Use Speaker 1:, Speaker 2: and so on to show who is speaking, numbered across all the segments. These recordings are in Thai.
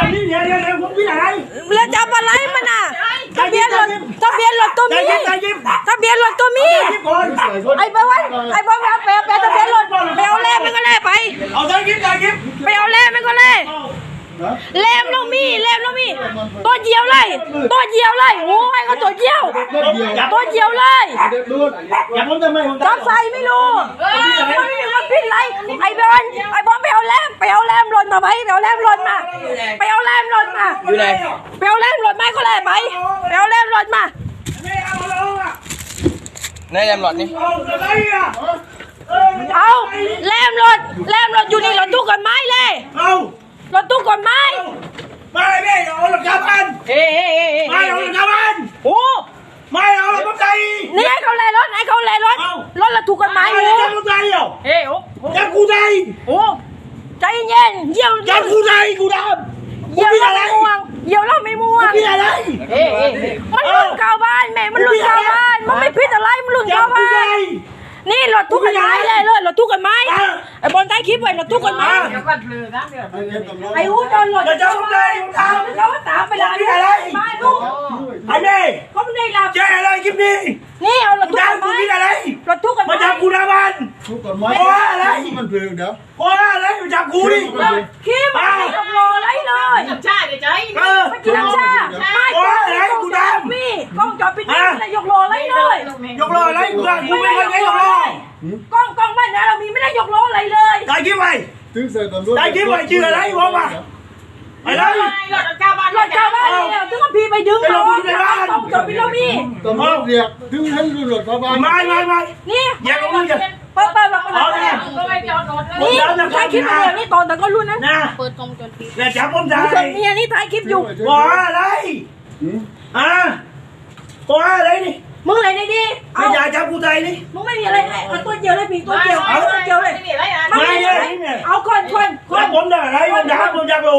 Speaker 1: เดี๋ยวผมพี่อะไร
Speaker 2: แล้วจับอะไรมันน่ะทะเบียนรถตัวมีทะเบียนรถตัวมีไอ้บ้าไอ้บ้าแปลทะเบียนรถไปเอาแล่มันก็แล่ไป
Speaker 1: เอาใจยิ้ม
Speaker 2: ไปเอาแล่มันก็แล่แล่เรามีตัวเดียวเลยโอ้ยก็ตัวเดียวเลย
Speaker 1: อย่าผมทำไมผม
Speaker 2: จับใส่ไม่รู้มันผิดไรไอ้บอลไปเอาแลมรถมาไปไปเอาแลมรถมาอยู่ไหนไปเอาแลมรถมาก็แล่ไปเอาแลมรถมา
Speaker 3: ในแรมหลอดนี่
Speaker 2: เอาแลมรถอยู่นี่รถตู้กฎหมายเลยรถตู้กฎหมาย
Speaker 1: ไม่เอาหลักฐานไม่เอาหลักฐาน
Speaker 2: โอ้
Speaker 1: ไม่เอาหลักฐาน
Speaker 2: นี่ให้เขาแล่รถรถเราถูกกฎหมายอยู่
Speaker 1: จับกูใจจับกูใจ
Speaker 2: โอ้ใจเย็นเยี่ยว
Speaker 1: จับกูใจกูดำ
Speaker 2: เยี่ยวเราไม่ม่วง
Speaker 1: พี่อะไร
Speaker 2: มันหลุดเข้าบ้านแม่มันหลุดเข้าบ้านมันไม่ผิดอะไรมันหลุดเข้าบ้านนี่รถทุกกันไม้เลยรถทุกกันไม้ไอ้บอลใต้คลิปไว้รถทุกกันไม้ไอ้หูโดนรถ
Speaker 1: จับกูใจ
Speaker 2: เขาตามไปแล้วมาลูก
Speaker 1: ไอ้แม่
Speaker 2: เขาไม่ได้รับ
Speaker 1: แจ้อะไรคลิปนี้
Speaker 2: นี่เอารถทุกกันไม้รถทุกกันไม้
Speaker 1: มาจับกูนะมัน
Speaker 4: ทุกกันไม้มันเพลิงเดี๋ยว
Speaker 1: อะไรมาจับกูดิ
Speaker 2: คลิปไม่ต้องรออะไรเลย
Speaker 5: ชาเดี๋ยวใจ
Speaker 2: ไม่กินน้ำชาไม่
Speaker 1: อะไรกูดำ
Speaker 2: มีกล้องจอปิดนี่เลยยกรออะไรเลย
Speaker 1: ยกรออะไรกูไม่เคยยกรอก
Speaker 2: ล้องบ้านเรามีไม่ได้ยกรออะไรเลย
Speaker 1: ได้คลิปไว้ได้คลิปไว้ชื่ออะไรบอกมาอะไร
Speaker 5: รถเก้าบ้าน
Speaker 2: เนี่ยถึงพี่ไปดึงรถต้องจบพี่เรามี
Speaker 4: ตำรวจเรียกถึงให้รถเข้าบ้าน
Speaker 1: ไม่
Speaker 2: นี่
Speaker 1: อย่าลงอย่า
Speaker 2: เปิด
Speaker 5: ก็ไม่จอดรถ
Speaker 2: นี่ถ่ายคลิปอยู่นี่ตอนแต่ก็รุ่นนะ
Speaker 5: เปิดกล้องจนปิด
Speaker 1: อย่าจับผมได้
Speaker 2: นี่นี่ถ่ายคลิปอยู่
Speaker 1: บอกอะไรบอกอะไรนี่
Speaker 2: มึงอะไรนี่ดิ
Speaker 1: ไม่อยากจับกูใจนี่
Speaker 2: มึงไม่มีอะไรเอาตัวเดียวเลยพี่ตัวเดียวเลยเอาคน
Speaker 1: ผมได้อะไรผมอยากรู้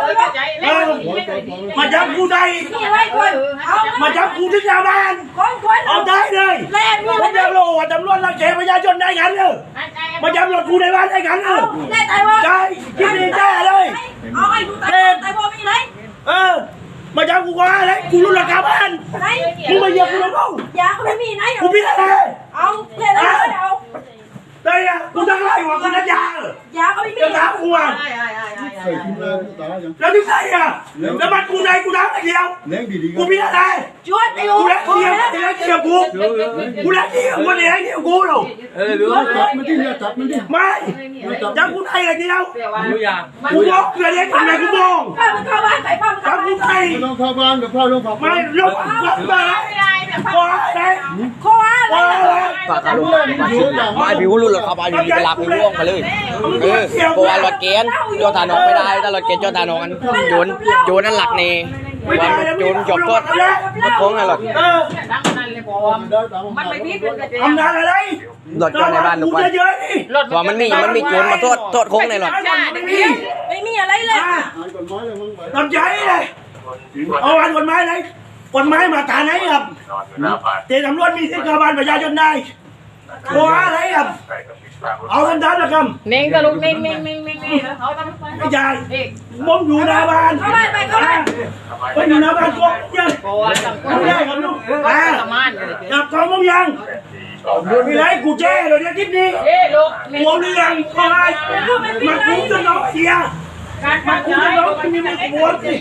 Speaker 1: มาจับกูใจมาจับกูที่ชาวบ้านเอาได้เลยผมอยากรู้ว่าตำรวจรักแกประชาชนได้กันเลยมาจับรถกูในบ้านได้กันเลยใจคิดดีใจเลย
Speaker 2: เอาไอ้กูตายบ่มีไร
Speaker 1: มาจับกูว่าอะไรกูรู้ราคาบ้านมึงมาเหยียบกูแล้วกู
Speaker 2: ยาก็ไม่มีไหน
Speaker 1: กูพิจารณา
Speaker 2: เอาเลยเอา
Speaker 1: ได้อะกูจะไล่หัวกูจะยา
Speaker 2: ก็ไม่มี
Speaker 1: จะถามกูว่าแล้วที่ใส่อะแล้วมันกูในกูน้ำอะไรเดียวกูพิจารณา
Speaker 2: ชวนไอ้
Speaker 1: กูแล้วเดียวกูแล้วเดียวกูเนี่ยเดียวกูหรอ
Speaker 4: จับมันที่จับมันที่
Speaker 1: ไม่จับกูในอะไรเดียวกูบอกเกิดอะไรทำไมกูมอง
Speaker 2: เข้าบ้านใส่ผ้า
Speaker 1: จับกูใน
Speaker 4: ต้องเข้าบ้านกับพ่อลงผัก
Speaker 1: ไม่ลงผักมาขออะไร
Speaker 3: ฝากลุงมาผิวรุ่นรถขับมาอยู่ดีไปลากไปล่วงมาเลยเพราะว่ารถเกณฑ์โยธานองไม่ได้ถ้ารถเกณฑ์โยธานองกันโยนนั่นหลักเนวันโยนจบก็รถโค้งนั่นหรอก
Speaker 5: มันไม่พิษ
Speaker 1: ทำงานอะไร
Speaker 3: รถจอดในบ้านทุกวันว่ามันมีโจรมาโทษโค้งในรถ
Speaker 2: ไม่มีอะไรเลย
Speaker 1: ทำใจเลยเอาวันกฎหมายไหนกฎหมายมาตราไหนครับเจ้าตำรวจมีสิทธิ์การบ้านประชาชนได้กลัวอะไรครับเอาทันทันนะครับ
Speaker 5: เน่งตะลุกเน่งเขาทำ
Speaker 1: ไม่ใช่ผมอยู่หน้าบ้านผมอยู่หน้าบ้านก็ยังไม่ได้ครับลูกจับกองมึงยังมีไรกูแจ้เลยเนี่ยคลิปนี้หัวเรื่องอะไรมาคุ้มจนน้องเสียมาคุ้มจนน้องมีมือขบวนสิ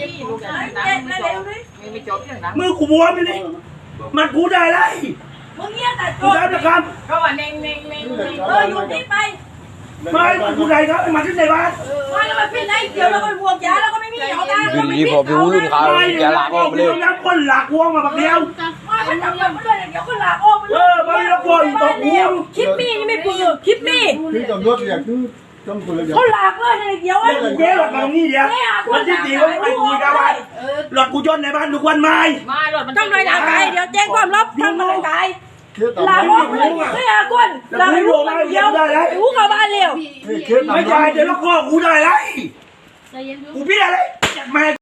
Speaker 1: มือขบวนไปเลยมันกูได้ไร
Speaker 2: มึงเงี้ยแต่
Speaker 1: กูได้นะครับ
Speaker 5: เขาว่าเน่ง
Speaker 2: อยู่ที่ไป
Speaker 1: ไม่กูได้ครับมาที่ไหนบ้าน
Speaker 2: ไม่แล้วมันเป็นไรเดี๋ยวเราไปบวกยาแล้วก็ไม่มีเอาได้
Speaker 3: ดีพอผิวรุ่นเขาแกหลักออกไปเลย
Speaker 1: คนหลักวงมาแบบเดียว
Speaker 2: มันทำยังไม่ได้เดี๋ยวคนหลักออกไป
Speaker 1: เลยไม่ละคนตกหัว
Speaker 2: คลิปมีนี่ไม่ปืนคลิปมี
Speaker 4: ที่ตำรวจอยากคือ
Speaker 2: เขาหลักเลยเดี๋ยว
Speaker 1: เจ๊หลักมาตรงนี้เดียวมันที่ตีว่าไปคุยกับบ้านหลักกูจนในบ้านทุกวันไม่
Speaker 2: ทำไรหลักไก่เดี๋ยวแจ้งความลับทำไรไก่หลักออกเลยไม่อากุนหลักลูกเดียวหูกับบ้านเร็ว
Speaker 1: ไม่ใช่เดี๋ยวลูกพ่อกูได้ไรกูพี่อะไรแม่